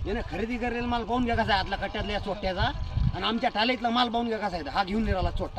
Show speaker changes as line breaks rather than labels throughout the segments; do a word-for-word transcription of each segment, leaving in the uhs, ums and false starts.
याने खरेदी करेल माल पाहून घ्या कसा आहे आतला कट्ट्यातल्या चोट्याचा आणि आमच्या टालीतला माल पाहून घ्या कसा आहे हा घेऊन निघाला चोट्टा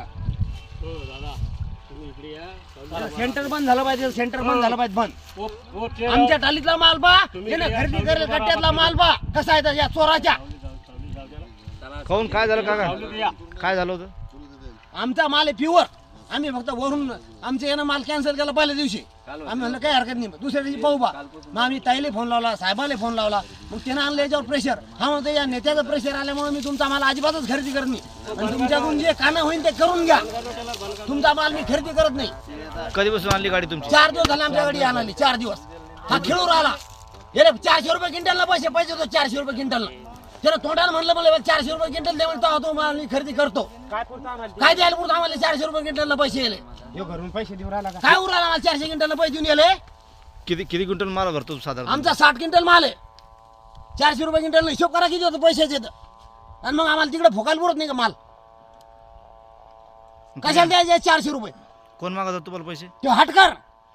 सेंटर बंद झालं पाहिजे सेंटर बंद झालं पाहिजे बंद आमच्या टालीतला माल पा याने खरेदी करेल कट्ट्यातला माल पा कसा आहे या चोराच्या
काऊन काय झालं काका काय झालं होतं
आमचा माल आहे प्युअर आम्ही फक्त वरून आमच्या यानं माल कॅन्सल केला पहिल्या दिवशी आम्ही म्हणलं काही हरकत नाही दुसऱ्या दिवशी पाहू बा मग आम्ही ताईले फोन लावला साहेबाला फोन लावला मग त्यानं आणलं याच्यावर प्रेशर हा म्हणतो या नेत्याचं प्रेशर आल्यामुळे मी तुमचा माल अजिबातच खरेदी करत नाही आणि तुमच्याकडून जे कानं होईल ते करून घ्या तुमचा माल मी खरेदी करत नाही
कधीपासून आणली गाडी तुमची
चार दिवस झाले आमच्या गाडी आणाली चार दिवस हा खेळून राहिला हे चारशे रुपये क्विंटलला पैसे पाहिजे होतो चारशे रुपये क्विंटलला त्याला तोंडाला म्हणलं मला चारशे रुपये क्विंटल दे म्हणतो तो माल मी खरेदी करतो काय द्यायला पुढे आम्हाला चारशे रुपये क्विंटलला पैसे येले
घरून पैसे देऊ राहिला का
काय उराला आम्हाला चारशे क्विंटलला पैसे देऊन येले
किती किती क्विंटल माल भरतो साधारण
आमचा साठ क्विंटल माल आहे चारशे रुपये क्विंटल हिशोब करा किती होतं पैशाचे तर आणि मग आम्हाला तिकडे फोकायला पुरत नाही का माल कशाला द्यायचे चारशे रुपये
कोण मागत होता तुम्हाला पैसे
तो हटकर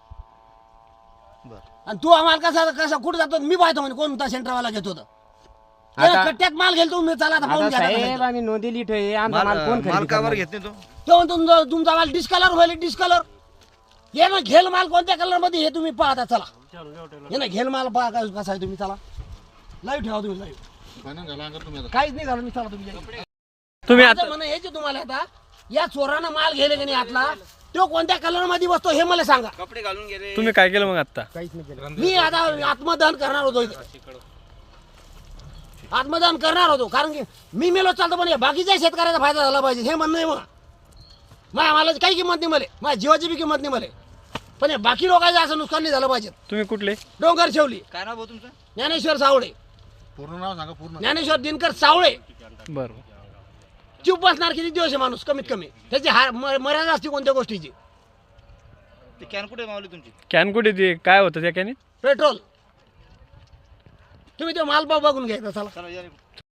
बर
आणि तू आम्हाला कसा कसा कुठे जातो मी पाहतो म्हणजे कोणता सेंटरवाला घेतो तर त्याला कट्ट्यात माल घेतो मी चला आता पाहून घ्या आता
साहेब
कसा
आम्ही नोंदी लिहितो हे आमचा माल
माल
कोण
माल
खरेदी
का बरं
करणार?
घेत नाही तो
तो म्हणतो तुमचा तुमचा माल डिस्कलर होईल डिस्कलर ये ना घेल माल कोणत्या कलर मध्ये हे तुम्ही पाहता चला ये ना घेल माल पहा का- कसा आहे तुम्ही चला लाईव्ह ठेवा तुम्ही लाईव्ह काहीच नाही झालं मी चला तुम्ही
तुम्ही
आता म्हणणं हेच आहे तुम्हाला आता या चोरानं माल गेले की नाही आतला तो कोणत्या कलर मध्ये बसतो हे मला सांगा
तुम्ही काय केलं मग आता
काहीच नाही केलं
मी आता आत्मदहन करणार होतो इथे आत्मदहन करणार होतो कारण की मी मेलो चालतो पण या बाकीच्या शेतकऱ्याचा फायदा झाला पाहिजे हे म्हणणं आहे मग माझ्या मालाची काही किंमत नाही मला माझ्या जीवाची बी किंमत नाही मला पण या बाकी लोकांचं असं नुकसान नाही झालं पाहिजे
तुम्ही कुठले
डोंगर शेवली
काय नाव भाऊ तुमचं
ज्ञानेश्वर सावळे
पूर्ण नाव सांगा पूर्ण
ज्ञानेश्वर दिनकर सावळे
बरं
चूप बसणार किती दिवस आहे माणूस कमीत कमी त्याची हार म- मर्यादा असते कोणत्या गोष्टीची
ते कॅन कुठे मावली तुमची
कॅन कुठे ते काय होतं त्या कॅनीत
पेट्रोल तुम्ही तो मालपाव बघून घ्यायचा चला
चला या रे.